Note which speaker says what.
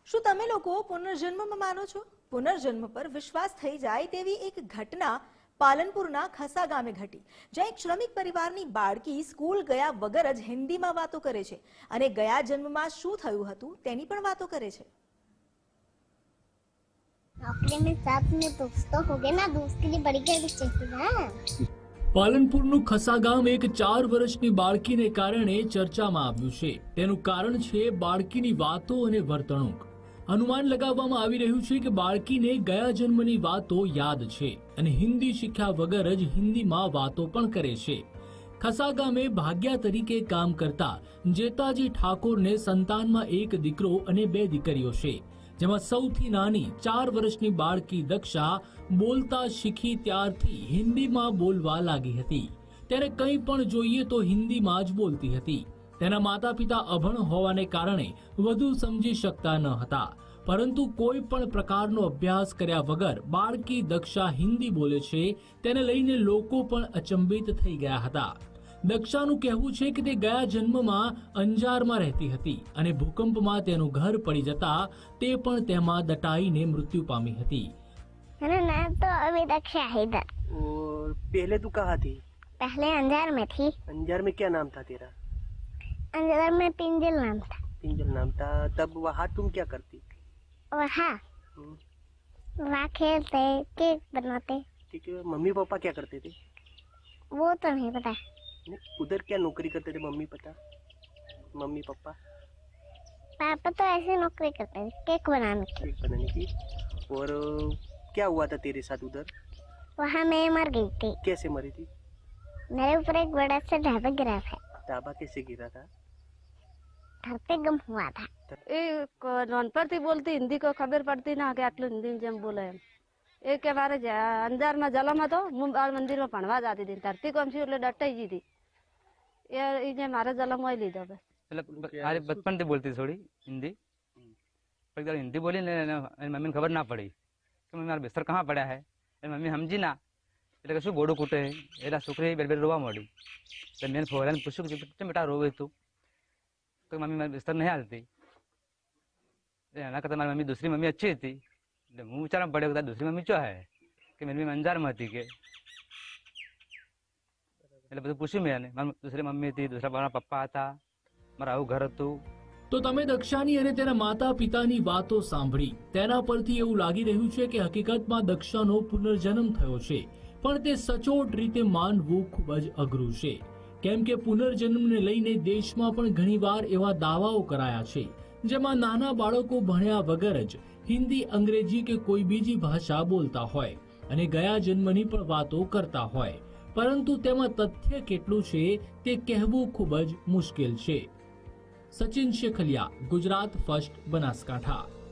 Speaker 1: શું તમે લોકો પુનર્જન્મમાં માનો છો? પુનર્જન્મ પર વિશ્વાસ થઈ જાય તેવી એક ઘટના પાલનપુરના ખસા ગામે ઘટી, જ્યાં એક શ્રમિક પરિવારની બાળકી સ્કૂલ ગયા વગર જ હિન્દીમાં વાતો કરે છે અને ગયા જન્મમાં શું થયું હતું તેની પણ વાતો કરે છે।
Speaker 2: अपने में साथ में दोस्त तो हो गए ना, दोस्त के लिए बड़ी क्या चाहिए ना।
Speaker 3: પાલનપુરનું ખસા ગામ એક 4 વર્ષની બાળકીને કારણે ચર્ચામાં આવ્યું છે। તેનું કારણ છે બાળકીની વાતો અને વર્તણૂક। અનુમાન લગાવવામાં આવી રહ્યું છે કે બાળકીને ગયા જન્મની વાતો યાદ છે અને હિન્દી શીખ્યા વગર જ હિન્દીમાં વાતો પણ કરે છે। ખસા ગામે ભાગ્યા તરીકે કામ કરતા જેતાજી ઠાકોરને સંતાનમાં એક દીકરો અને 2 દીકરીઓ છે, જેમાં સૌથી નાની 4 વર્ષની બાળકી દક્ષા બોલતા શીખી ત્યારથી હિન્દીમાં બોલવા લાગી હતી। ત્યારે કંઈ પણ જોઈએ તો હિન્દીમાં જ બોલતી હતી। તેના માતા પિતા અભણ હોવાને કારણે વધુ સમજી શકતા ન હતા, પરંતુ કોઈ પણ પ્રકારનો અભ્યાસ કર્યા વગર બાળકી દક્ષા હિન્દી બોલે છે તેને લઈને લોકો પણ અચંબિત થઈ ગયા હતા। દક્ષાનું કહેવું છે કે તે ગયા જન્મમાં અંજારમાં રહેતી હતી અને ભૂકંપમાં તેનું ઘર પડી જતા તે પણ તેમાં દટાઈને મૃત્યુ પામી હતી।
Speaker 2: मेरा नाम तो अभी दक्षा है इधर।
Speaker 4: और पहले तू कहाँ थी?
Speaker 2: पहले अंजार में थी।
Speaker 4: अंजार में क्या नाम था तेरा?
Speaker 2: अंजार में पिंजल नाम था।
Speaker 4: पिंजल नाम था। तब वहाँ तुम क्या करती?
Speaker 2: और हाँ, वहाँ खेलते, केक बनाते।
Speaker 4: ठीक है। मम्मी पापा क्या करते थे?
Speaker 2: वो तो नहीं पता।
Speaker 4: नहीं, उधर क्या नौकरी करते थे मम्मी पापा?
Speaker 2: पापा तो ऐसे नौकरी करते थे, केक बनाने की।
Speaker 4: केक बनाने की। और क्या हुआ था तेरे साथ उधर?
Speaker 2: वहाँ मैं मर गई थी।
Speaker 4: कैसे मरी थी?
Speaker 2: मेरे ऊपर एक बड़ा सा ढाबा गिरा था।
Speaker 4: ढाबा कैसे गिरा था?
Speaker 2: घर पे गम हुआ था।
Speaker 5: નોનપણથી બોલતી, હિન્દી કોઈ ખબર પડતી ના કે આટલું હિન્દી જેમ બોલે એમ। એ કે મારે અંજારમાં જલમ હતો, હું બાળ મંદિરમાં ભણવા જતી હતી, ધરતી કોમ છું એટલે ડટાઈ ગઈ હતી। એ જે મારે જલમ હોય લીધો બસ।
Speaker 6: એટલે આજે બચપનથી બોલતી થોડી હિન્દી, પણ જ્યારે હિન્દી બોલી ને એની મમ્મીને ખબર ના પડી કે મમ્મી મારા બિસ્તર કहाँ પડ્યા હે। એ મમ્મી સમજી ના એટલે કે શું ગોડું કૂટે એટલે છોકરી બે રોવા માંડી। એટલે મેં ફોરાને પૂછ્યું કે કેમ બેટા રોવે તું? તો મમ્મી મારી બિસ્તર નહીં હાલતી। એના કરતાં મારી મમ્મી દૂસરી મમ્મી अच्छी હતી એટલે હું વિચારવા પડ્યો કે દૂસરી મમ્મી શું હે કે મમ્મી અંજારમાં હતી કે એટલે બધું પૂછ્યું મેં એને। મારી દૂસરી મમ્મી હતી, દૂસરા મારા પપ્પા હતા, મારા આવું ઘર હતું।
Speaker 3: તો તમે દક્ષાની અને તેના માતા પિતાની વાતો સાંભળી, તેના પરથી એવું લાગી રહ્યું છે કે હકીકતમાં દક્ષાનો પુનર્જન્મ થયો છે, પણ તે સચોટ રીતે માનવું ખૂબ જ અઘરું છે, કેમ કે પુનર્જન્મને લઈને દેશમાં પણ ઘણીવાર એવા દાવાઓ કરાયા છે જેમાં નાના બાળકો ભણ્યા વગર જ હિન્દી, અંગ્રેજી કે કોઈ બીજી ભાષા બોલતા હોય અને ગયા જન્મની પણ વાતો કરતા હોય, પરંતુ તેમાં તથ્ય કેટલું છે તે કહેવું ખૂબ જ મુશ્કેલ છે। સચિન શેખલિયા, ગુજરાત ફર્સ્ટ, બનાસકાંઠા।